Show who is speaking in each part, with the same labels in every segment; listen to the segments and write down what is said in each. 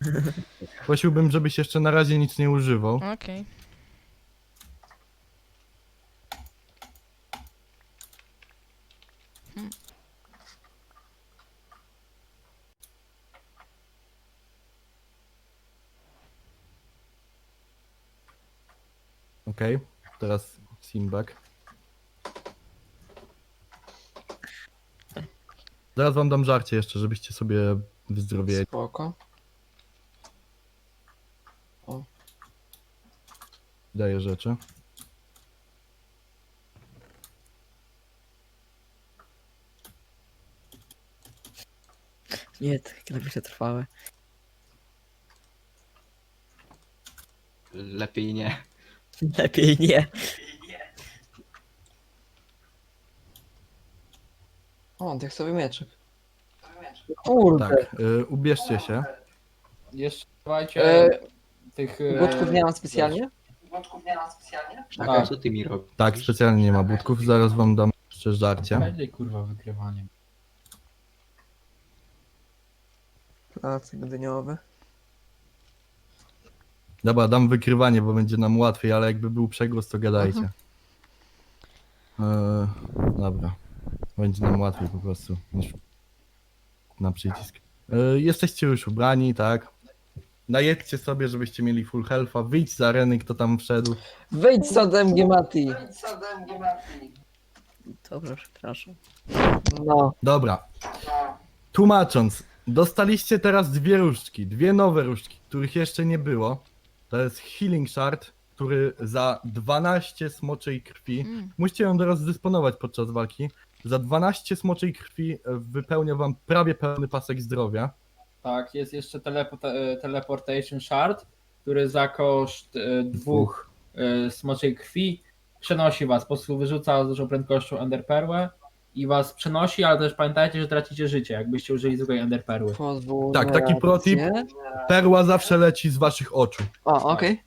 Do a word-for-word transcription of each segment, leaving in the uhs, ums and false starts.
Speaker 1: Prosiłbym, żebyś jeszcze na razie nic nie używał.
Speaker 2: Okej. Okay. Hmm.
Speaker 1: Okej, okay. Teraz Simbak. Zaraz wam dam żarcie jeszcze, żebyście sobie wyzdrowieli.
Speaker 3: Spoko. O.
Speaker 1: Daję rzeczy.
Speaker 4: Nie, takie napisy trwałe.
Speaker 3: Lepiej nie.
Speaker 4: Lepiej nie.
Speaker 3: O, tekstowy mieczek. Kurde.
Speaker 1: Tak, y, ubierzcie się.
Speaker 5: Jeszcze dawajcie
Speaker 3: E,
Speaker 5: tych... e,
Speaker 3: Budków nie mam specjalnie?
Speaker 4: Tak.
Speaker 3: Tak.
Speaker 6: Co ty mi robisz?
Speaker 1: Tak, specjalnie nie ma budków, zaraz wam dam jeszcze żarcie.
Speaker 5: Będzie kurwa wykrywaniem.
Speaker 3: Placek dyniowy.
Speaker 1: Dobra, dam wykrywanie, bo będzie nam łatwiej, ale jakby był przegłos, to gadajcie. Eee, dobra. Będzie nam łatwiej po prostu niż na przycisk. Eee, jesteście już ubrani, tak? Najedźcie sobie, żebyście mieli full health'a. Wyjdź z areny, kto tam wszedł.
Speaker 3: Wyjdź z M G Mati.
Speaker 4: Dobrze, przepraszam.
Speaker 3: No.
Speaker 1: Dobra. Tłumacząc, dostaliście teraz dwie różdżki, dwie nowe różdżki, których jeszcze nie było. To jest Healing Shard, który za dwanaście smoczej krwi,
Speaker 2: Mm.
Speaker 1: musicie ją teraz dysponować podczas walki, za dwanaście smoczej krwi wypełnia wam prawie pełny pasek zdrowia.
Speaker 5: Tak, jest jeszcze telepo te Teleportation Shard, który za koszt e, dwóch e, smoczej krwi przenosi was, po prostu wyrzuca z dużą prędkością Enderperłę i was przenosi, ale też pamiętajcie, że tracicie życie, jakbyście użyli zwykłej Enderperły.
Speaker 3: Pozwól
Speaker 1: Tak,
Speaker 3: na
Speaker 1: taki protip.
Speaker 3: reakcję.
Speaker 1: Perła zawsze leci z waszych oczu.
Speaker 3: O, okej.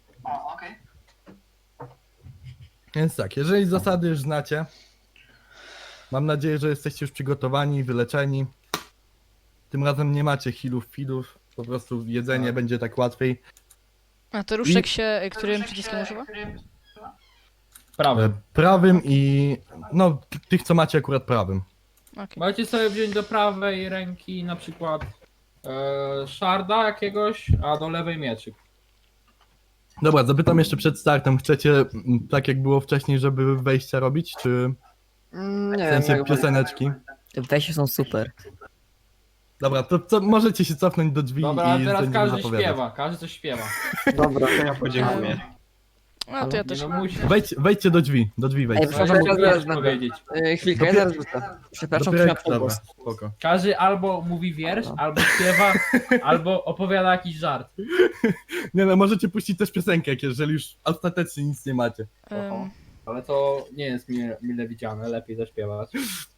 Speaker 1: Więc tak, jeżeli zasady już znacie, mam nadzieję, że jesteście już przygotowani, wyleczeni. Tym razem nie macie healów, feedów, po prostu jedzenie
Speaker 5: Tak.
Speaker 1: będzie tak łatwiej.
Speaker 2: A to różdżek się którym przyciskiem używa?
Speaker 5: Prawy.
Speaker 1: E, Prawym i no tych co macie akurat prawym.
Speaker 2: Okej.
Speaker 5: Możecie sobie wziąć do prawej ręki na przykład e, Sharda jakiegoś, a do lewej mieczyk.
Speaker 1: Dobra, zapytam jeszcze przed startem, chcecie mm, tak jak było wcześniej, żeby wejścia robić, czy
Speaker 3: Mm, Nie
Speaker 1: w
Speaker 3: wiem,
Speaker 1: sensie
Speaker 3: jak
Speaker 1: pioseneczki?
Speaker 4: Te wejścia są super.
Speaker 1: Dobra, to co, możecie się cofnąć do drzwi
Speaker 5: Dobra, a
Speaker 1: i
Speaker 5: teraz
Speaker 1: będziemy
Speaker 5: każdy
Speaker 1: zapowiadać.
Speaker 5: śpiewa, każdy coś śpiewa.
Speaker 3: Dobra.
Speaker 6: Ja podziękuję.
Speaker 2: A to ja
Speaker 5: Nie
Speaker 2: też.
Speaker 5: no musi.
Speaker 1: Wejdź, wejdźcie do drzwi, do drzwi
Speaker 4: Ej,
Speaker 1: wejdźcie.
Speaker 4: przepraszam,
Speaker 3: Zaraz,
Speaker 5: Musisz
Speaker 3: zaraz,
Speaker 5: powiedzieć.
Speaker 3: E, Chwilkę, ja
Speaker 1: Dopiero-
Speaker 3: zaraz wrócę.
Speaker 4: Przepraszam,
Speaker 1: Dopiero-
Speaker 4: że na
Speaker 1: dobra,
Speaker 4: pogłos.
Speaker 1: spoko.
Speaker 5: Każdy albo mówi wiersz, albo śpiewa, albo opowiada jakiś żart.
Speaker 1: Nie no, możecie puścić też piosenkę, jak jeżeli już ostatecznie nic nie macie.
Speaker 2: Um,
Speaker 5: Ale to nie jest mile, mile widziane, lepiej zaśpiewać.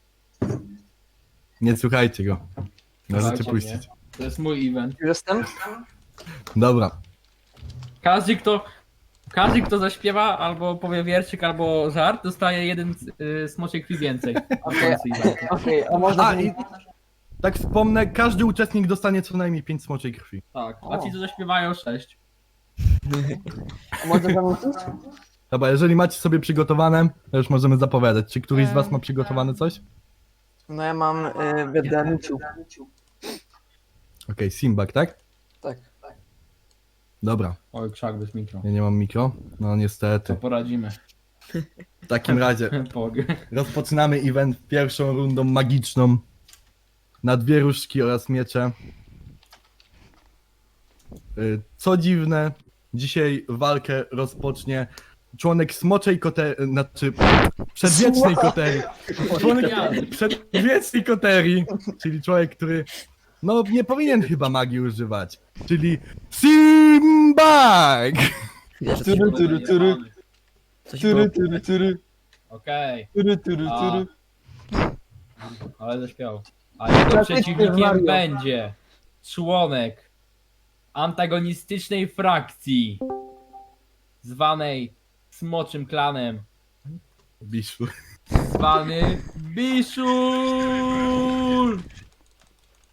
Speaker 1: Nie słuchajcie go. Możecie
Speaker 5: Słuchajcie
Speaker 1: puścić.
Speaker 5: To jest mój event.
Speaker 3: Już jestem?
Speaker 1: Dobra.
Speaker 5: Każdy kto, każdy kto zaśpiewa, albo powie wierszyk, albo żart, dostaje jeden y, smoczej krwi więcej.
Speaker 3: Okej, okej, a można...
Speaker 1: A i tak wspomnę, każdy uczestnik dostanie co najmniej pięć smoczej krwi.
Speaker 5: Tak, a
Speaker 3: O.
Speaker 5: ci co zaśpiewają sześć.
Speaker 3: a można zamówić?
Speaker 1: Dobra, jeżeli macie sobie przygotowane, to już możemy zapowiadać. Czy któryś z was
Speaker 2: Em,
Speaker 1: ma przygotowane coś?
Speaker 3: No ja mam y, w Danuciu.
Speaker 1: Okej, Simbak, tak?
Speaker 3: Tak.
Speaker 1: Dobra,
Speaker 5: Oj, krzak bez mikro.
Speaker 1: ja nie mam mikro. No
Speaker 5: To
Speaker 1: niestety.
Speaker 5: poradzimy.
Speaker 1: W takim razie
Speaker 5: Pog.
Speaker 1: rozpoczynamy event pierwszą rundą magiczną. Na dwie różdżki oraz miecze. Y, Co dziwne, dzisiaj walkę rozpocznie członek smoczej koterii, znaczy przedwiecznej koterii. Członek przedwiecznej koterii, czyli człowiek, który no nie powinien chyba magii używać, czyli Simbak!
Speaker 4: Wiesz, że
Speaker 3: Tury, tury, tury,
Speaker 4: coś było.
Speaker 3: tury, tury, tury,
Speaker 5: Okej,
Speaker 3: tury, tury,
Speaker 5: A.
Speaker 3: tury.
Speaker 5: ale zaśpiewał. A jego
Speaker 3: Klasyczny
Speaker 5: przeciwnikiem
Speaker 3: Mario.
Speaker 5: będzie członek antagonistycznej frakcji zwanej Smoczym Klanem,
Speaker 1: Biszu.
Speaker 5: zwany Biszul!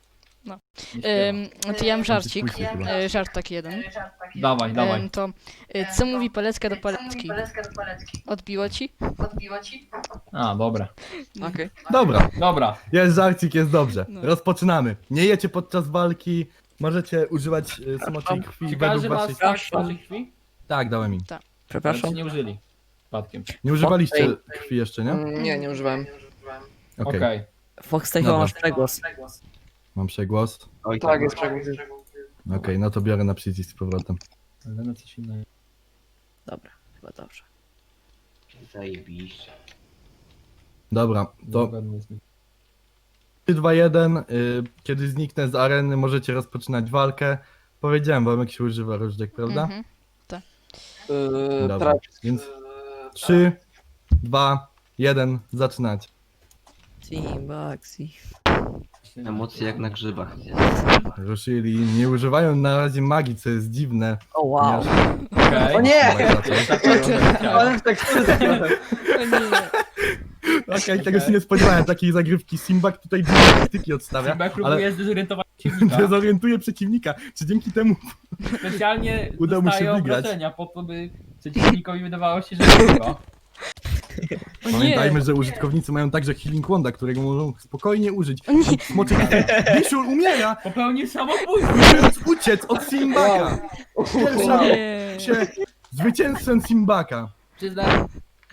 Speaker 2: No.
Speaker 5: Nie śpiewa.
Speaker 2: Ym, to ja mam żarcik.
Speaker 1: Później chyba.
Speaker 2: E, żart taki jeden.
Speaker 5: Dawaj, dawaj.
Speaker 2: Ym, to e, co mówi Palecka do Palecki? Odbiło ci?
Speaker 5: A, dobra.
Speaker 3: Okej.
Speaker 1: Dobra,
Speaker 5: Dobra.
Speaker 1: jest żarcik, jest dobrze.
Speaker 2: No.
Speaker 1: Rozpoczynamy. Nie jecie podczas walki, możecie używać y, smoczej krwi
Speaker 5: Czy
Speaker 1: według
Speaker 5: każdy ma
Speaker 1: waszej...
Speaker 5: stak smoczej krwi?
Speaker 1: Tak, dałem im.
Speaker 5: Ale
Speaker 4: Przepraszam.
Speaker 5: czy nie użyli? Przypadkiem.
Speaker 1: Nie używaliście krwi jeszcze, nie?
Speaker 3: Mm, Nie, nie używałem.
Speaker 1: Okej,
Speaker 5: Okej.
Speaker 4: Fox chyba
Speaker 1: Dobra.
Speaker 4: masz przegłos.
Speaker 1: mam przegłos.
Speaker 3: Tak, jest przegłos.
Speaker 1: Okej, no to biorę na przycisk z powrotem.
Speaker 5: Ale na coś innego.
Speaker 4: Dobra, chyba dobrze.
Speaker 6: Zajebiście.
Speaker 1: Dobra, to
Speaker 5: Zgodnie z-
Speaker 1: trzy, dwa, jeden. Y, kiedy zniknę z areny, możecie rozpoczynać walkę. Powiedziałem wam, jak się używa różdżek, prawda?
Speaker 2: Mhm.
Speaker 3: Yy,
Speaker 1: Dobra,
Speaker 3: tak.
Speaker 1: więc trzy, dwa, jeden, zaczynać.
Speaker 4: Team Baxi.
Speaker 6: Emocje jak na grzybach.
Speaker 1: Ruszyli, nie używają na razie magii, co jest dziwne.
Speaker 4: O wow.
Speaker 1: ponieważ-
Speaker 5: Okej.
Speaker 3: O nie!
Speaker 5: Tak,
Speaker 3: Ale tekstury takie trochę.
Speaker 2: O nie.
Speaker 1: Okej, tego się nie spodziewałem, takiej zagrywki. Simbak tutaj dwie taktyki odstawia,
Speaker 5: Simba
Speaker 1: ale
Speaker 5: próbuje zdezorientować przeciwnika.
Speaker 1: dezorientuje przeciwnika. Czy dzięki temu
Speaker 5: Specjalnie
Speaker 1: Udało mu się
Speaker 5: dostaje
Speaker 1: wygrać.
Speaker 5: obrażenia po to, by przeciwnikowi wydawało się, że wygrywa.
Speaker 2: O nie.
Speaker 1: pamiętajmy, że użytkownicy mają także healing wanda, którego mogą spokojnie użyć.
Speaker 2: O nie.
Speaker 1: Smoczy Bishul umiera!
Speaker 5: Popełnił samobójstwo.
Speaker 1: Musisz uciec od Simbaka!
Speaker 2: O
Speaker 1: Pierwsza
Speaker 2: nie.
Speaker 1: się zwycięzcą Simbaka.
Speaker 5: Przyznam,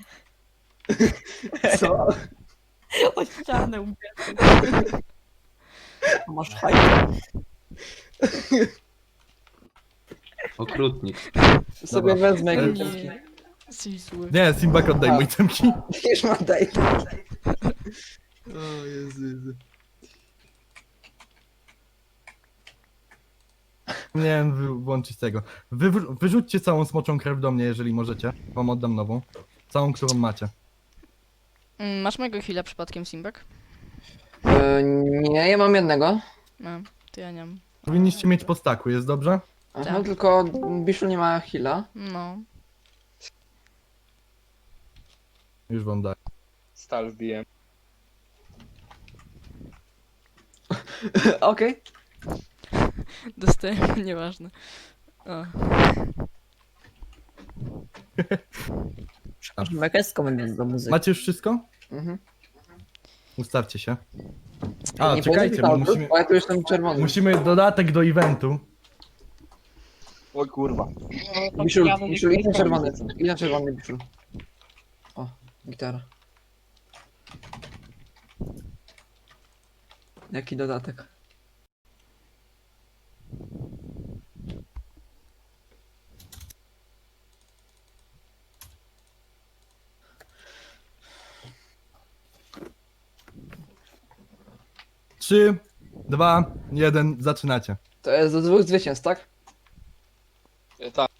Speaker 3: Co?
Speaker 4: O ścianę ubiegł. Masz hajkę.
Speaker 6: Okrutnik.
Speaker 3: Sobie wezmę
Speaker 1: E,
Speaker 3: jakieś
Speaker 2: Nie.
Speaker 3: temki.
Speaker 2: Jesteś zły.
Speaker 1: Nie, Simbak oddaj mój temki.
Speaker 3: Już mam daj.
Speaker 1: O Jezu, Jezu. Nie wiem, wy- włączyć tego. Wy, wyrzućcie całą smoczą krew do mnie, jeżeli możecie. Wam oddam nową. Całą, którą macie.
Speaker 2: Mm, Masz mojego heala przypadkiem, Simbak?
Speaker 3: Yy, nie, ja mam jednego.
Speaker 2: No, to ja nie mam.
Speaker 1: Powinniście mieć po staku, jest dobrze?
Speaker 3: Aha,
Speaker 2: Tak.
Speaker 3: tylko Biszu nie ma heala.
Speaker 2: No.
Speaker 1: Już wam daję.
Speaker 7: Stal wbiłem.
Speaker 3: Okej.
Speaker 2: Dostałem, nieważne. O.
Speaker 4: Jaka jest komenda do muzyki?
Speaker 1: Macie już wszystko?
Speaker 3: Mhm.
Speaker 1: Ustawcie się. A,
Speaker 3: Nie
Speaker 1: czekajcie, bo
Speaker 3: powinien
Speaker 1: musimy,
Speaker 3: bo ja tu jestem czerwony.
Speaker 1: musimy dodatek do eventu.
Speaker 7: O kurwa.
Speaker 3: Biszu, Biszu, idź na czerwony. Idź na czerwony, Biszu. O, gitara. Jaki dodatek?
Speaker 1: Trzy, dwa, jeden, zaczynacie.
Speaker 3: To jest do dwóch zwycięstw, tak?
Speaker 7: E, Tak.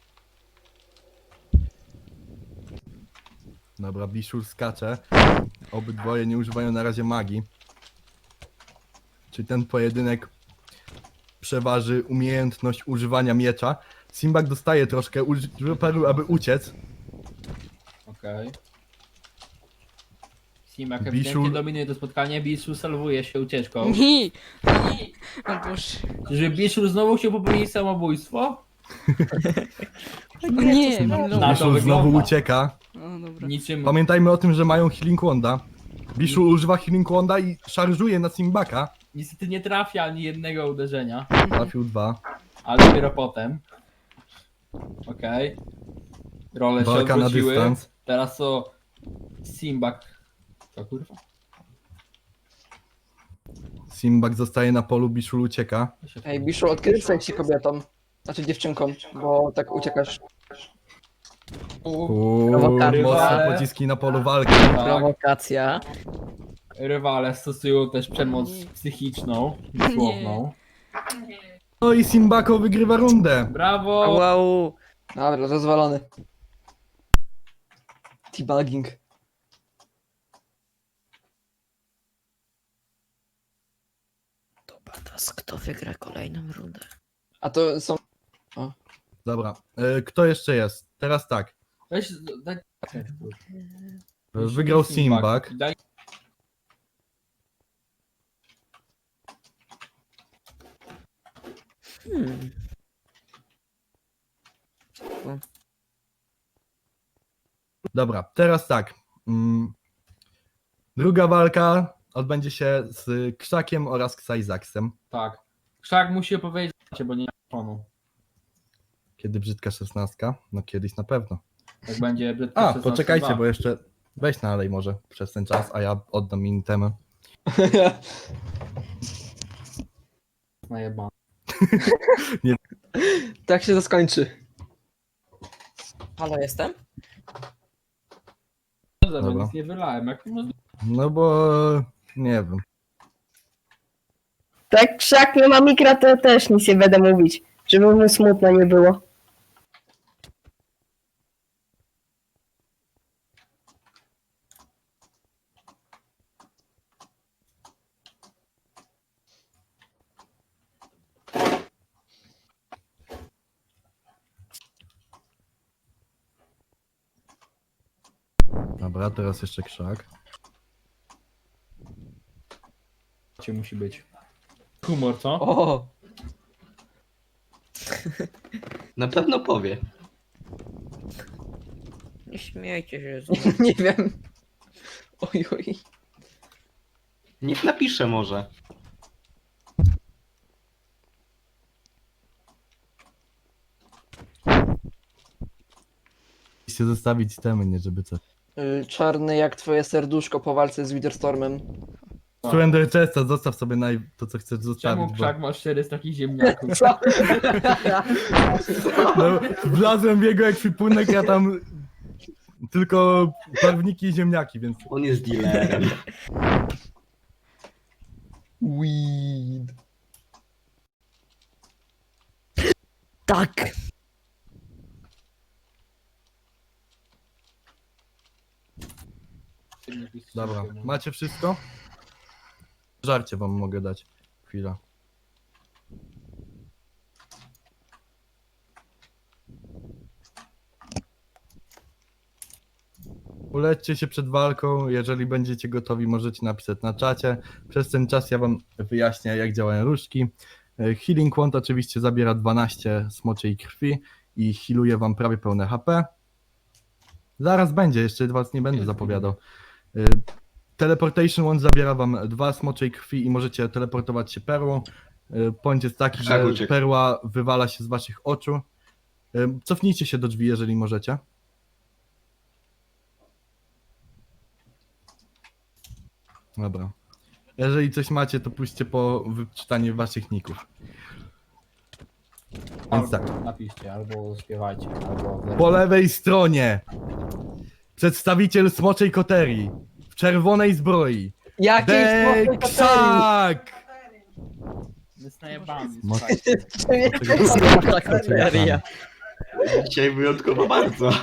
Speaker 1: Dobra, Bishul skacze. Obydwoje nie używają na razie magii. Czyli ten pojedynek przeważy umiejętność używania miecza. Simbak dostaje troszkę, używa perły, aby uciec.
Speaker 5: okej. Simak
Speaker 1: Bishul-
Speaker 5: ewidentnie dominuje to spotkanie, Bishul salwuje się ucieczką.
Speaker 2: Nie. O Boże.
Speaker 5: Czy Bishul znowu chciał popełnić samobójstwo?
Speaker 2: O nie, mam
Speaker 5: Na
Speaker 2: low.
Speaker 5: to
Speaker 1: Bishul znowu
Speaker 5: wygląda.
Speaker 1: ucieka.
Speaker 2: O, dobra.
Speaker 5: Niczym...
Speaker 1: Pamiętajmy o tym, że mają healing wanda. Bishul używa healing wanda i szarżuje na Simbaka.
Speaker 5: Niestety nie trafia ani jednego uderzenia,
Speaker 1: Trafił dwa.
Speaker 5: ale dopiero potem. Okej. Role się
Speaker 1: Walka na
Speaker 5: odwróciły.
Speaker 1: dystans.
Speaker 5: Teraz to Simbak. To kurwa?
Speaker 1: Simbak zostaje na polu, Bishul ucieka.
Speaker 5: To się
Speaker 3: Ej, Biszu, od kiedy stałeś się kobietą? Znaczy dziewczynką, bo tak uciekasz.
Speaker 1: Uuu,
Speaker 4: Prowokacja.
Speaker 1: mocne pociski na polu walki.
Speaker 5: Tak.
Speaker 4: Prowokacja.
Speaker 5: Rywale stosują też przemoc psychiczną, dosłowną.
Speaker 1: No i Simbako wygrywa rundę.
Speaker 5: Brawo!
Speaker 4: Wow.
Speaker 3: Dobra, rozwalony. Debugging.
Speaker 4: Dobra, teraz kto wygra kolejną rundę?
Speaker 3: A to są...
Speaker 1: Dobra, e, kto jeszcze jest? Teraz tak.
Speaker 5: Weź, daj...
Speaker 1: Wygrał Simbak.
Speaker 5: Daj...
Speaker 4: Hmm.
Speaker 1: Dobra, teraz tak. Mm. Druga walka odbędzie się z Krzakiem oraz Ksajzaksem.
Speaker 5: Tak. Krzak musi opowiedzieć, bo nie ma telefonu.
Speaker 1: Kiedy brzydka szesnastka? No kiedyś na pewno.
Speaker 5: Jak będzie brzydka
Speaker 1: A,
Speaker 5: szesnastka
Speaker 1: poczekajcie,
Speaker 5: dwa.
Speaker 1: bo jeszcze weź nalej może przez ten czas, a ja oddam im temy.
Speaker 5: Najebane.
Speaker 3: Tak się to skończy.
Speaker 4: Halo, jestem?
Speaker 5: Dobrze, bo
Speaker 1: Dobra.
Speaker 5: nic nie wylałem. Jak to możliwe?
Speaker 1: No bo nie wiem.
Speaker 8: Tak, krzak nie ma mikra, to też nic nie będę mówić, żeby mu smutno nie było.
Speaker 1: Dobra, teraz jeszcze Krzak.
Speaker 5: Cię musi być. Humor, co?
Speaker 3: O,
Speaker 6: Na pewno powie.
Speaker 4: Nie śmiejcie się. z-
Speaker 3: nie wiem. Oj, oj.
Speaker 6: Niech napisze może.
Speaker 1: Musicie zostawić temy, nie żeby co.
Speaker 3: Y, Czarny jak twoje serduszko po walce z Witherstormem.
Speaker 1: Surrender Chesta, zostaw sobie naj... to, co chcesz
Speaker 5: Czemu
Speaker 1: zostawić, bo...
Speaker 5: Krzak masz cztery z takich ziemniaków?
Speaker 3: Co?
Speaker 1: No, wlazłem w jego ekwipunek, ja tam... Tylko barwniki i ziemniaki, więc...
Speaker 6: On jest dealerem.
Speaker 3: Weed.
Speaker 4: Tak!
Speaker 1: Dobra, macie wszystko? Żarcie wam mogę dać. Chwila. Ulećcie się przed walką, jeżeli będziecie gotowi, możecie napisać na czacie. Przez ten czas ja wam wyjaśnię, jak działają różdżki. E, Healing Wand oczywiście zabiera dwanaście smoczej krwi i healuje wam prawie pełne H P. Zaraz będzie, jeszcze was nie będę zapowiadał. E, Teleportation Wand zabiera wam dwa smoczej krwi i możecie teleportować się perłą. E, Point jest taki,
Speaker 6: Tak,
Speaker 1: że
Speaker 6: uciekł.
Speaker 1: perła wywala się z waszych oczu. E, Cofnijcie się do drzwi, jeżeli możecie. Dobra. Jeżeli coś macie, to pójście po wyczytaniu waszych ników. Więc tak.
Speaker 5: Napiszcie, albo śpiewajcie, albo...
Speaker 1: Po lewej stronie przedstawiciel smoczej koterii w czerwonej zbroi.
Speaker 3: Jakiej smoczej koterii?
Speaker 1: Deksak!
Speaker 5: Jest najebany.
Speaker 1: Smok-
Speaker 4: Koteria.
Speaker 6: Dzisiaj wyjątkowo bardzo.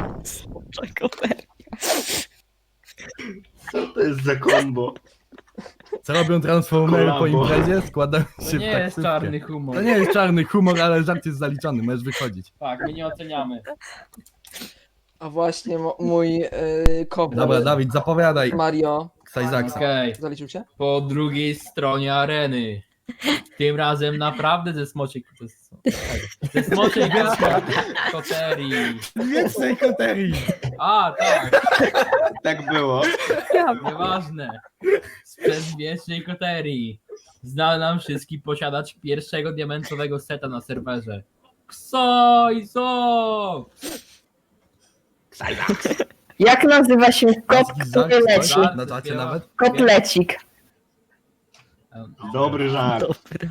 Speaker 6: Co to jest za kombo?
Speaker 1: Co robią transformery po
Speaker 6: Kolabo.
Speaker 1: imprezie? Składają
Speaker 5: To
Speaker 1: się
Speaker 5: nie
Speaker 1: w
Speaker 5: jest
Speaker 1: taksówkę.
Speaker 5: czarny humor.
Speaker 1: To nie jest czarny humor, ale żart jest zaliczony, możesz wychodzić.
Speaker 5: Tak, my nie oceniamy.
Speaker 3: A właśnie mo- mój yy, kowal
Speaker 1: Dobra, Dawid, zapowiadaj
Speaker 3: Mario
Speaker 1: Ksajzaksa.
Speaker 5: Okej,
Speaker 3: zaliczył się?
Speaker 5: po drugiej stronie areny. Tym razem naprawdę ze smoczej... Ze smoczej koterii.
Speaker 1: Wiecznej koterii!
Speaker 5: A, tak,
Speaker 6: Tak było.
Speaker 5: nieważne. Z przedwiecznej koterii. Znał nam wszystkich posiadać pierwszego diamentowego seta na serwerze. Ksojzo!
Speaker 8: Jak nazywa się kot, który leci?
Speaker 1: Na czacie nawet?
Speaker 8: Kotlecik.
Speaker 6: Dobry żart.
Speaker 4: Dobra.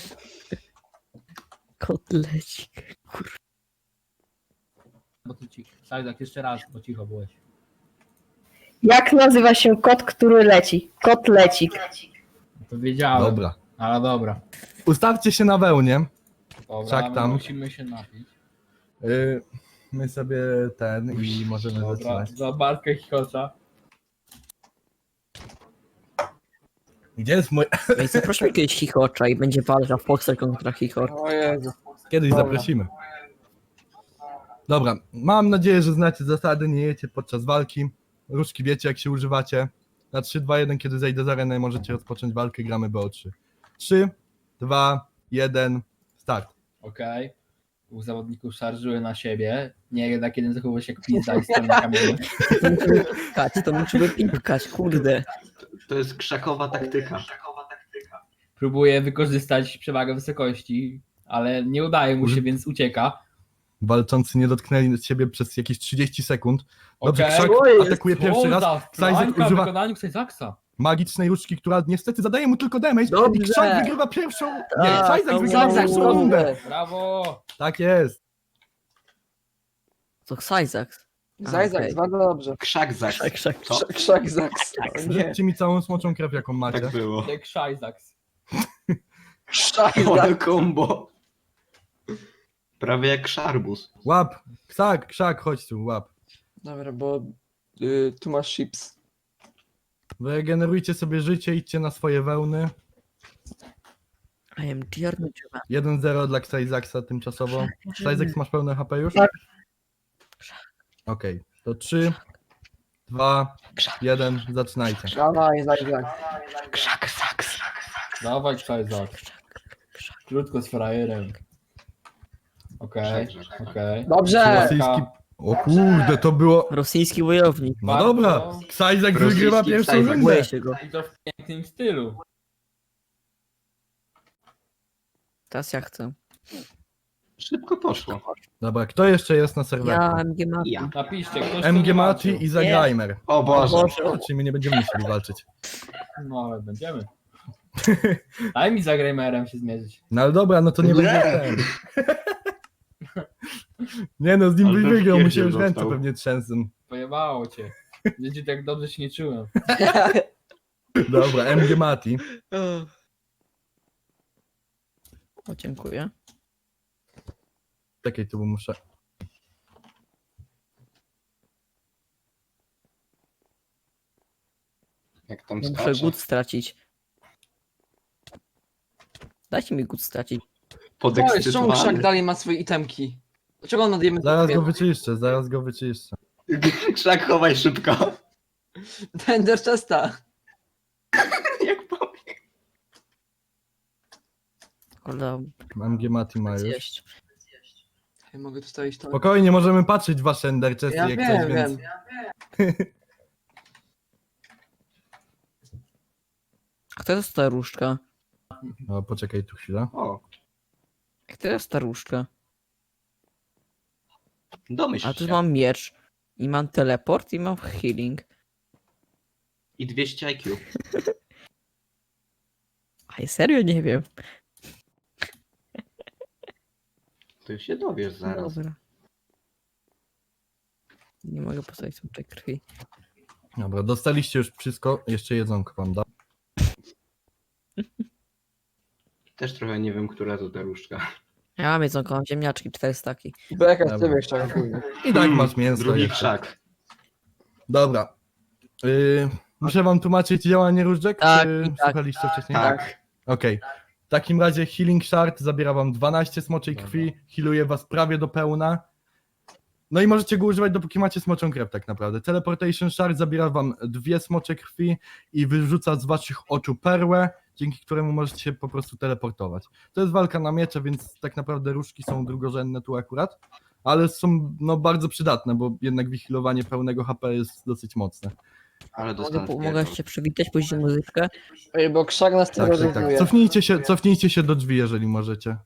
Speaker 4: Kotlecik.
Speaker 5: Bo ty cicho. Tak, tak, jeszcze raz, bo cicho byłeś.
Speaker 8: Jak nazywa się kot, który leci? Kotlecik.
Speaker 5: To wiedziałem.
Speaker 1: Dobra.
Speaker 5: Ale dobra.
Speaker 1: Ustawcie się na wełnie.
Speaker 5: Dobra,
Speaker 1: Wszak
Speaker 5: my
Speaker 1: tam.
Speaker 5: musimy się napić.
Speaker 1: Y, My sobie ten i możemy
Speaker 5: Dobra,
Speaker 1: zaczynać.
Speaker 5: za Bartka Chichocza.
Speaker 1: Gdzie jest mój...
Speaker 4: Ej, zaprośmy kiedyś Chichocza i będzie walka Foxer kontra Chichocz.
Speaker 3: O Jezu.
Speaker 1: Kiedyś
Speaker 3: Dobra.
Speaker 1: zaprosimy. Dobra, mam nadzieję, że znacie zasady, nie jecie podczas walki. Różki wiecie, jak się używacie. Na trzy, dwa, jeden, kiedy zejdę z areny, możecie rozpocząć walkę, gramy B O trzy. trzy, dwa, jeden, Start.
Speaker 5: Okej. Dwóch zawodników szarżuje na siebie. Nie, jednak jeden zachowuje się jak pizza i stoi na kamieniu.
Speaker 4: To musi wypikać, to musi wypikać, kurde.
Speaker 6: To jest krzakowa taktyka.
Speaker 5: Próbuje wykorzystać przewagę wysokości, ale nie udaje mu się, więc ucieka.
Speaker 1: Walczący nie dotknęli siebie przez jakieś trzydzieści sekund. Dobrze,
Speaker 5: Okej.
Speaker 1: Krzak
Speaker 8: Oj,
Speaker 1: atakuje pierwszy raz. Sajzek
Speaker 5: Flanka w
Speaker 1: używa
Speaker 5: wykonaniu Sajzaksa.
Speaker 1: magicznej różdżki, która niestety zadaje mu tylko damage.
Speaker 4: Dobrze.
Speaker 1: I Krzak wygrywa pierwszą... Nie,
Speaker 4: Tak,
Speaker 1: Sajzek
Speaker 4: to
Speaker 1: wygrywa
Speaker 4: było.
Speaker 1: pierwszą rundę.
Speaker 5: Brawo!
Speaker 1: Tak jest.
Speaker 4: To Sajzak.
Speaker 3: Zajzak,
Speaker 4: okej.
Speaker 3: bardzo dobrze.
Speaker 6: Krzak zaks.
Speaker 4: Krzak, krzak.
Speaker 6: Co?
Speaker 3: Krzak, krzak zaks. O nie.
Speaker 1: Rzućcie mi całą smoczą krew, jaką macie.
Speaker 6: Tak było.
Speaker 5: Jak Sajzaks.
Speaker 3: Krzak
Speaker 6: Ale
Speaker 3: zaks.
Speaker 6: combo. Prawie jak szarbus.
Speaker 1: Łap. Krzak, Krzak, chodź tu, łap.
Speaker 3: Dobra, bo y, tu masz chips.
Speaker 1: Wygenerujcie sobie życie, idźcie na swoje wełny.
Speaker 4: I am Giorno.
Speaker 1: jeden zero dla Sajzaksa tymczasowo. Sajzaks, masz pełne H P już?
Speaker 8: Tak.
Speaker 1: Okej, to trzy, dwa, jeden, zaczynajcie.
Speaker 3: Dawaj, zajzak.
Speaker 6: Krzak zaks.
Speaker 5: Dawaj Sajzak. Krótko z frajerem. Okej,
Speaker 6: Krzak, tak.
Speaker 5: okej.
Speaker 3: Dobrze!
Speaker 1: Rosyjski... O kurde, to było...
Speaker 4: Rosyjski wojownik.
Speaker 1: No dobra, Sajzak
Speaker 6: Rosyjski
Speaker 1: wygrywa pierwszą
Speaker 6: Sajzak.
Speaker 1: rundę.
Speaker 4: Boję się go.
Speaker 5: I to w pięknym stylu.
Speaker 4: Teraz ja chcę.
Speaker 6: Szybko poszło.
Speaker 1: Dobra, kto jeszcze jest na
Speaker 4: Ja
Speaker 1: serwerku?
Speaker 4: M G Mati.
Speaker 6: Ja.
Speaker 5: Napiszcie, ktoś tu
Speaker 1: M G
Speaker 5: nie
Speaker 1: Mati
Speaker 5: walczył.
Speaker 1: i Zagrajmer.
Speaker 6: O Boże.
Speaker 1: Czyli my nie będziemy musieli walczyć.
Speaker 5: No ale będziemy. Daj mi za Gramerem się zmierzyć.
Speaker 1: No ale dobra, no to nie
Speaker 6: Nie.
Speaker 1: będzie ten. Nie no, z nim
Speaker 6: Ale
Speaker 1: byś
Speaker 6: to
Speaker 1: wygrał, mu się
Speaker 6: wpierdziel
Speaker 1: już ręce
Speaker 6: dostał.
Speaker 1: pewnie trzęsą.
Speaker 5: Pojebało cię. Wiecie, tak dobrze się nie czułem.
Speaker 1: Dobra, M G Mati.
Speaker 4: O, dziękuję.
Speaker 1: Czekaj, tu bo muszę...
Speaker 6: Jak tam
Speaker 4: Muszę
Speaker 6: skacze.
Speaker 4: gut stracić. Dajcie mi gut stracić.
Speaker 3: Oj, czemu krzak
Speaker 6: Podekscytowany.
Speaker 3: dalej ma swoje itemki? Dlaczego on nadjemy
Speaker 1: Zaraz go wyczyszczę, zaraz go wyczyszczę.
Speaker 6: Krzak chowaj szybko.
Speaker 3: Tender chesta.
Speaker 6: Jak powiem.
Speaker 4: Ale
Speaker 1: M G Mati ma już.
Speaker 4: zjeść.
Speaker 3: Ja mogę tu stawić to.
Speaker 1: Spokojnie, możemy patrzeć w wasze Ender Chesty
Speaker 3: Ja
Speaker 1: jak
Speaker 3: wiem,
Speaker 1: coś, więc...
Speaker 3: wiem.
Speaker 4: A kto jest ta różdżka?
Speaker 1: No, poczekaj tu chwilę.
Speaker 6: O,
Speaker 4: Jak to jest ta różdżka?
Speaker 6: domyśl
Speaker 4: A tu
Speaker 6: się.
Speaker 4: mam miecz. I mam teleport i mam healing.
Speaker 6: I dwieście I Q.
Speaker 4: A ja serio nie wiem.
Speaker 6: To już się dowiesz zaraz.
Speaker 4: Dobra. Nie mogę postawić tej krwi.
Speaker 1: Dobra, dostaliście już wszystko, jeszcze jedzonko wam da.
Speaker 6: Też trochę nie wiem, która to ta różdżka.
Speaker 4: Ja mam jedzonko, mam ziemniaczki, cztery staki.
Speaker 3: Beka z
Speaker 1: Dobra.
Speaker 3: ciebie krzak. kurde.
Speaker 1: I tak masz mięso
Speaker 6: Drugi
Speaker 1: jeszcze.
Speaker 6: krzak.
Speaker 1: Dobra. Yy, muszę wam tłumaczyć działanie różdżek?
Speaker 4: Tak,
Speaker 1: czy
Speaker 4: i tak.
Speaker 1: słuchaliście wcześniej?
Speaker 6: Tak.
Speaker 1: Okej. W takim razie Healing Shard zabiera wam dwanaście smoczej krwi, healuje was prawie do pełna. No i możecie go używać dopóki macie smoczą krew tak naprawdę. Teleportation Shard zabiera wam dwie smocze krwi i wyrzuca z waszych oczu perłę, dzięki któremu możecie się po prostu teleportować. To jest walka na miecze, więc tak naprawdę różki są drugorzędne tu akurat, ale są no bardzo przydatne, bo jednak wyhealowanie pełnego H P jest dosyć mocne.
Speaker 6: Ale
Speaker 4: Mogę,
Speaker 6: dostałem
Speaker 4: po-
Speaker 6: wpierdol.
Speaker 4: mogę się przywitać, puścić muzyczkę?
Speaker 3: Ej, bo krzak nas
Speaker 1: Tak, tak, tak.
Speaker 3: terroryzuje.
Speaker 1: Cofnijcie się, cofnijcie się do drzwi, jeżeli możecie.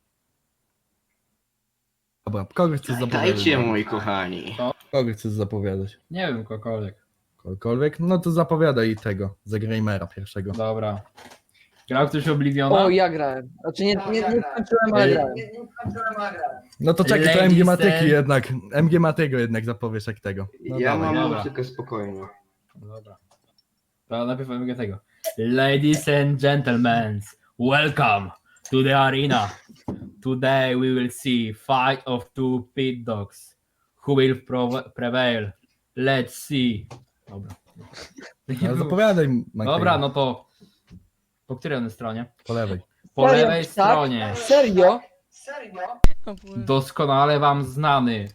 Speaker 1: Dobra, kogo chcesz zapowiadać?
Speaker 6: Dajcie, moi kochani.
Speaker 1: Kogo chcesz zapowiadać?
Speaker 5: Nie wiem, kogokolwiek.
Speaker 1: Kogokolwiek? No to zapowiadaj tego, Zagrajmera pierwszego.
Speaker 5: Dobra. Grał ktoś Obliviona?
Speaker 3: O, ja grałem. Znaczy nie, nie, nie skończyłem, ale
Speaker 1: Ej.
Speaker 3: grałem.
Speaker 1: No to czekaj, to
Speaker 5: Ladies
Speaker 1: M G Matyki
Speaker 5: and-
Speaker 1: jednak, M G Matego jednak zapowiesz jak tego. No
Speaker 6: ja
Speaker 1: dawaj.
Speaker 6: mam
Speaker 5: dobra.
Speaker 6: muzykę spokojnie.
Speaker 5: Dobra. To najpierw powiem tego. Ladies and gentlemen, welcome to the arena. Today we will see fight of two pit dogs. Who will pro- prevail? Let's see. Dobra.
Speaker 1: No, zapowiadaj, Matego.
Speaker 5: Dobra, no to po której on stronie?
Speaker 1: Po lewej.
Speaker 5: Po
Speaker 3: Serio,
Speaker 5: lewej
Speaker 3: tak?
Speaker 5: stronie.
Speaker 3: Serio?
Speaker 5: Doskonale wam znany.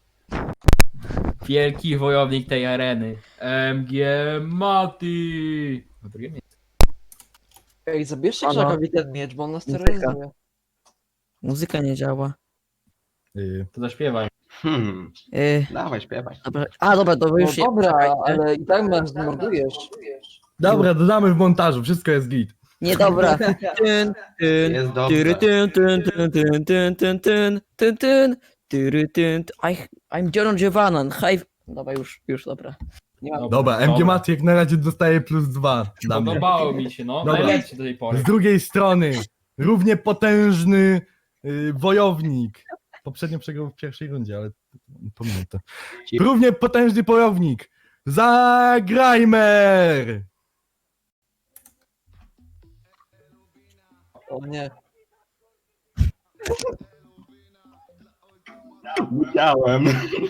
Speaker 5: Wielki wojownik tej areny. M G Mati. Na drugie miejsce.
Speaker 3: Ej, zabierzcie
Speaker 4: Ano.
Speaker 3: krzakowi ten miecz, bo on nas
Speaker 4: Muzyka.
Speaker 3: terroryzuje.
Speaker 4: Muzyka nie działa.
Speaker 1: Y,
Speaker 5: To zaśpiewaj.
Speaker 6: Hmm,
Speaker 4: Yy,
Speaker 6: dawaj, śpiewaj.
Speaker 4: dobra. A dobra, to
Speaker 3: No
Speaker 4: już je-
Speaker 3: dobra,
Speaker 4: czekajcie.
Speaker 3: ale i tak nas zmordujesz.
Speaker 1: Dobra, dodamy w montażu, wszystko jest git.
Speaker 4: Nie, dobra. Tyn, tyn,
Speaker 6: Jest
Speaker 4: tyry,
Speaker 6: dobrze.
Speaker 4: tyn, tyn, tyn, tyn, tyn, tyn, tyn, tyn, tyn, tyry, tyn, t- I, I'm John Giovannan. Hi. Dobra, już, już, dobra.
Speaker 3: Nie ma...
Speaker 1: Dobra, M G Maty jak na razie dostaje plus dwa dla mnie.
Speaker 5: Podobało mi się, no.
Speaker 1: Dobra.
Speaker 5: Najlepszy do tej pory.
Speaker 1: Z drugiej strony, równie potężny y, wojownik. Poprzednio przegrał w pierwszej rundzie, ale pomijam to. Równie potężny wojownik. Zagrajmer!
Speaker 3: O nie.
Speaker 6: Widziałem.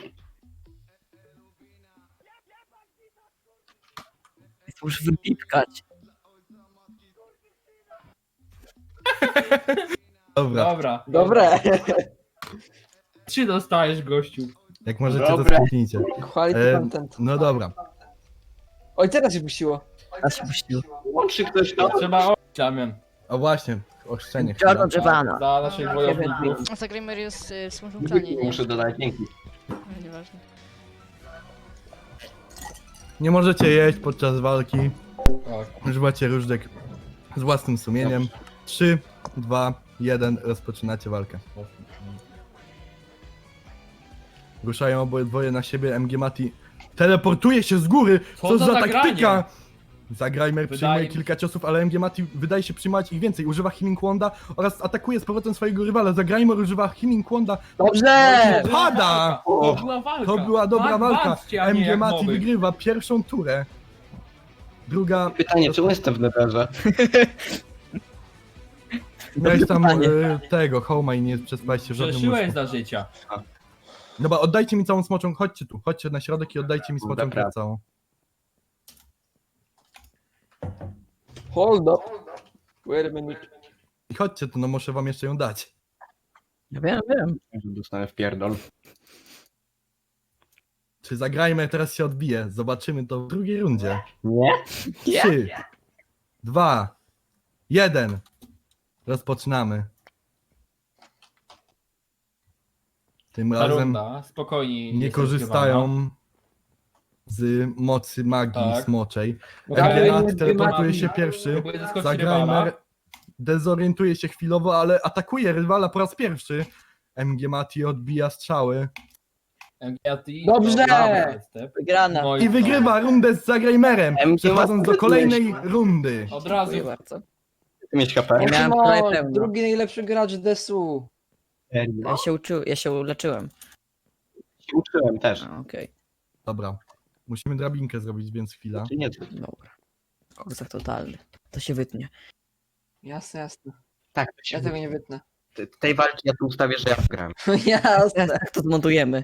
Speaker 4: Muszę wypipkać.
Speaker 1: Dobra,
Speaker 5: Dobra.
Speaker 3: Dobre.
Speaker 5: Trzy dostajesz, gościu.
Speaker 1: jak możecie to
Speaker 6: Dobra.
Speaker 1: skipnijcie.
Speaker 3: Quality
Speaker 1: E,
Speaker 3: content.
Speaker 1: No dobra.
Speaker 3: Oj, teraz się puściło.
Speaker 4: A się puścił.
Speaker 6: Łączy ktoś to?
Speaker 5: Trzeba o... Damian.
Speaker 1: O właśnie, ochrzczenie chwila.
Speaker 4: John Giovanna.
Speaker 5: Za naszych wojowników.
Speaker 2: Zagrajmy jest y, w smutnym planie, nie?
Speaker 6: Muszę dodać dzięki.
Speaker 2: No, nieważne.
Speaker 1: Nie możecie jeść podczas walki.
Speaker 5: Tak.
Speaker 1: Używacie różdżek z własnym sumieniem. trzy, dwa, jeden, rozpoczynacie walkę. Ruszają obydwoje na siebie, M G Mati teleportuje się z góry.
Speaker 5: Co
Speaker 1: Co
Speaker 5: za
Speaker 1: za
Speaker 5: zagranie?
Speaker 1: taktyka? Zagrajmer
Speaker 5: Wydaje
Speaker 1: przyjmuje
Speaker 5: mi-
Speaker 1: kilka ciosów, ale M G Mati wydaje się przyjmować ich więcej. Używa Healing Wanda oraz atakuje z powrotem swojego rywala. Zagrajmer używa Healing Wanda.
Speaker 3: Dobrze!
Speaker 1: Pada!
Speaker 5: To była walka.
Speaker 1: To była dobra
Speaker 5: Tak,
Speaker 1: walka.
Speaker 5: walczcie, a nie
Speaker 1: M G
Speaker 5: jak
Speaker 1: Mati
Speaker 5: nowych.
Speaker 1: wygrywa pierwszą turę. Druga.
Speaker 6: Pytanie, czemu jestem w netherze?
Speaker 1: Miałeś tam
Speaker 4: pytanie.
Speaker 1: e, tego, Homa i nie przespałeś się w żadnym
Speaker 5: Przeszyłeś
Speaker 1: łóżku.
Speaker 5: za życia.
Speaker 1: Dobra, oddajcie mi całą smoczą, chodźcie tu, chodźcie na środek i oddajcie mi smoczą
Speaker 6: Dobra.
Speaker 1: krew całą.
Speaker 3: Hold up. Wait a minute.
Speaker 1: I chodźcie tu, no muszę wam jeszcze ją dać.
Speaker 4: Ja wiem, wiem.
Speaker 6: Dostanę w pierdol.
Speaker 1: Czy zagrajmy, teraz się odbije. Zobaczymy to w drugiej rundzie.
Speaker 6: Nie?
Speaker 1: Trzy, dwa, jeden. Rozpoczynamy. Tym
Speaker 5: Ta
Speaker 1: razem
Speaker 5: runda, spokojnie.
Speaker 1: nie korzystają z mocy magii
Speaker 5: Tak.
Speaker 1: smoczej.
Speaker 3: Dobra,
Speaker 1: Emgenat
Speaker 3: nie
Speaker 1: teleportuje
Speaker 3: magii.
Speaker 1: się pierwszy.
Speaker 5: Próbuję zaskoczyć rywala.
Speaker 1: Zagrajmer dezorientuje się chwilowo, ale atakuje rywala po raz pierwszy. M G Mati odbija strzały
Speaker 5: M G A T,
Speaker 3: Dobrze!
Speaker 5: dobra, step.
Speaker 4: Wygrana.
Speaker 5: No
Speaker 1: i wygrywa rundę z Zagrajmerem,
Speaker 6: M G
Speaker 1: przechodząc do
Speaker 6: Mati
Speaker 1: kolejnej rundy.
Speaker 5: Od razu.
Speaker 4: Dziękuję bardzo.
Speaker 6: Mieć H P?
Speaker 4: Nie miałem
Speaker 3: Szymon,
Speaker 4: prawie pełno.
Speaker 3: drugi najlepszy gracz desu.
Speaker 4: Ja się uczył, ja się leczyłem.
Speaker 6: Się uczyłem też.
Speaker 4: A, okej.
Speaker 1: Dobra, musimy drabinkę zrobić, więc chwila.
Speaker 6: Czy nie?
Speaker 4: Dobra. Kozak totalny. To się wytnie.
Speaker 3: Jasne, jasne.
Speaker 6: Tak, to się
Speaker 3: Ja tego nie wytnę.
Speaker 6: Te- tej walki ja tu ustawię, że ja wygrałem.
Speaker 3: Jasne.
Speaker 4: Jak to zmontujemy?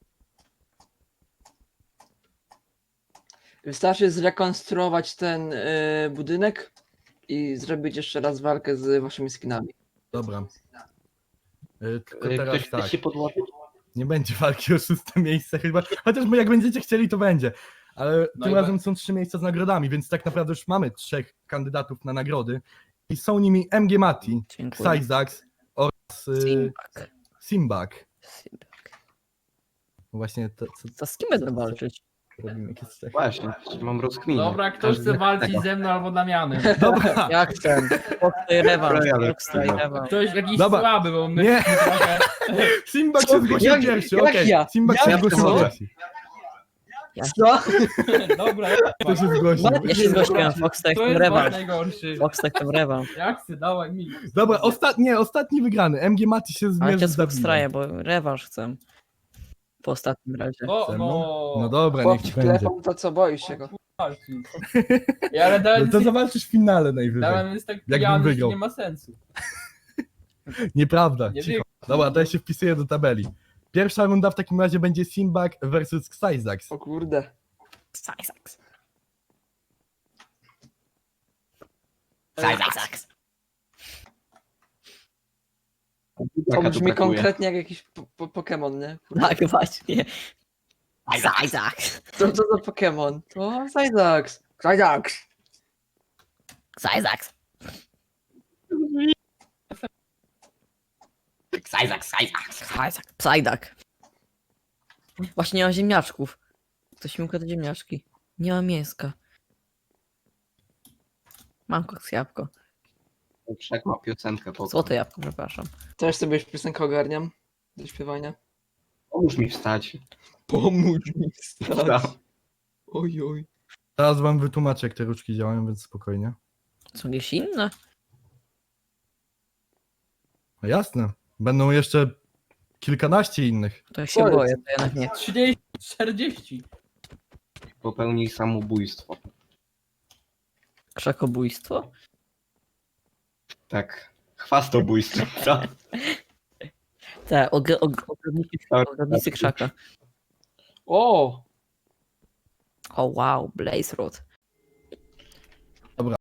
Speaker 3: Wystarczy zrekonstruować ten y, budynek i zrobić jeszcze raz walkę z waszymi skinami.
Speaker 1: Dobra. Y, Tylko
Speaker 6: Y,
Speaker 1: teraz
Speaker 6: Ktoś chce
Speaker 1: tak,
Speaker 6: się podłożyć?
Speaker 1: nie będzie walki o szóste miejsce chyba, chociaż my jak będziecie chcieli, to będzie. Ale
Speaker 5: No
Speaker 1: tym
Speaker 5: i
Speaker 1: razem
Speaker 5: be-
Speaker 1: są trzy miejsca z nagrodami, więc tak naprawdę już mamy trzech kandydatów na nagrody. I są nimi M G Mati,
Speaker 4: Dziękuję.
Speaker 1: Syzax oraz y,
Speaker 4: Simbak.
Speaker 1: Simbak.
Speaker 4: Simbak.
Speaker 1: Właśnie to, co,
Speaker 4: To z kim będę walczyć?
Speaker 1: robimy, jak jest tak.
Speaker 6: Właśnie, mam rozkminę.
Speaker 5: Dobra, ktoś chce walczyć ze mną albo Damianem.
Speaker 1: Dobra,
Speaker 4: Ja chcę. Foxy rewanż.
Speaker 6: Dobra, ja
Speaker 4: Foxy
Speaker 6: lecę.
Speaker 4: rewanż.
Speaker 5: Ktoś jakiś
Speaker 1: Dobra.
Speaker 5: słaby, bo my
Speaker 1: Nie.
Speaker 5: trochę...
Speaker 1: Simbak
Speaker 3: Co?
Speaker 1: się zgłosił
Speaker 3: Jak-
Speaker 1: pierwszy,
Speaker 3: jak
Speaker 1: okej.
Speaker 3: ja?
Speaker 1: Simbak
Speaker 3: Jak
Speaker 1: się
Speaker 3: to?
Speaker 1: zgłosił pierwszy.
Speaker 3: Co?
Speaker 5: Dobra,
Speaker 1: Kto się zgłosił?
Speaker 4: Ja się zgłosiłem. Fox
Speaker 5: to
Speaker 4: tak
Speaker 5: jest wasz
Speaker 4: rewanż.
Speaker 5: najgorszy.
Speaker 4: Fox tak rewanż.
Speaker 5: Jak chcę, dawaj mi.
Speaker 1: Dobra, ostatni, nie, ostatni wygrany. M G Mati się
Speaker 4: Ale
Speaker 1: zmierzy
Speaker 4: cię
Speaker 1: z Dawidem.
Speaker 4: straję, bo rewanż chcę. Po ostatnim razie.
Speaker 5: O,
Speaker 1: Ze
Speaker 5: no.
Speaker 1: mną? No dobra, niech ci
Speaker 3: Chłopczyk
Speaker 1: będzie.
Speaker 3: telefon, to co, boisz się go?
Speaker 5: Walczy. Ja, ale
Speaker 1: No
Speaker 5: Damian
Speaker 1: to
Speaker 5: jest,
Speaker 1: zawalczysz w finale najwyżej.
Speaker 5: Damian jest tak
Speaker 1: Jakbym
Speaker 5: pijany, że
Speaker 1: wygrał.
Speaker 5: nie ma sensu.
Speaker 1: Nieprawda,
Speaker 5: Nie
Speaker 1: cicho.
Speaker 5: wiem.
Speaker 1: Dobra, to ja się wpisuję do tabeli. Pierwsza runda w takim razie będzie Simbak versus Syzax.
Speaker 3: O kurde.
Speaker 4: Syzax.
Speaker 6: Syzax.
Speaker 3: To
Speaker 6: Jaka tu
Speaker 3: brzmi
Speaker 6: brakuje?
Speaker 3: konkretnie jak jakiś po po Pokémon, nie?
Speaker 4: Tak, właśnie. Syzax.
Speaker 3: Co to za Pokémon? To Syzax. Syzax.
Speaker 4: Syzax.
Speaker 6: Sajzak, sajzak.
Speaker 4: Sajzak, Psajdak. Właśnie nie ma ziemniaczków. Ktoś mi ukradł ziemniaczki. Nie ma mięska. Mam koks jabłko.
Speaker 6: Wszak ma piosenkę po
Speaker 4: Złote jabłko, przepraszam.
Speaker 3: Też sobie już piosenkę ogarniam do śpiewania.
Speaker 6: Pomóż mi wstać.
Speaker 3: Pomóż mi
Speaker 6: Wstał.
Speaker 3: wstać. Oj, oj.
Speaker 1: Teraz wam wytłumaczę, jak te ruczki działają, więc spokojnie.
Speaker 4: Są jakieś inne?
Speaker 1: No jasne. Będą jeszcze kilkanaście innych.
Speaker 4: To ja się
Speaker 3: Co jest?
Speaker 4: boję, to jednak nie.
Speaker 5: trzydzieści, czterdzieści.
Speaker 6: Popełnij samobójstwo.
Speaker 4: Krzakobójstwo?
Speaker 6: Tak. Chwastobójstwo, co?
Speaker 4: Tak, og og ogrodnicy, ogrodnicy krzaka.
Speaker 3: O!
Speaker 4: O wow, Blaze Rod.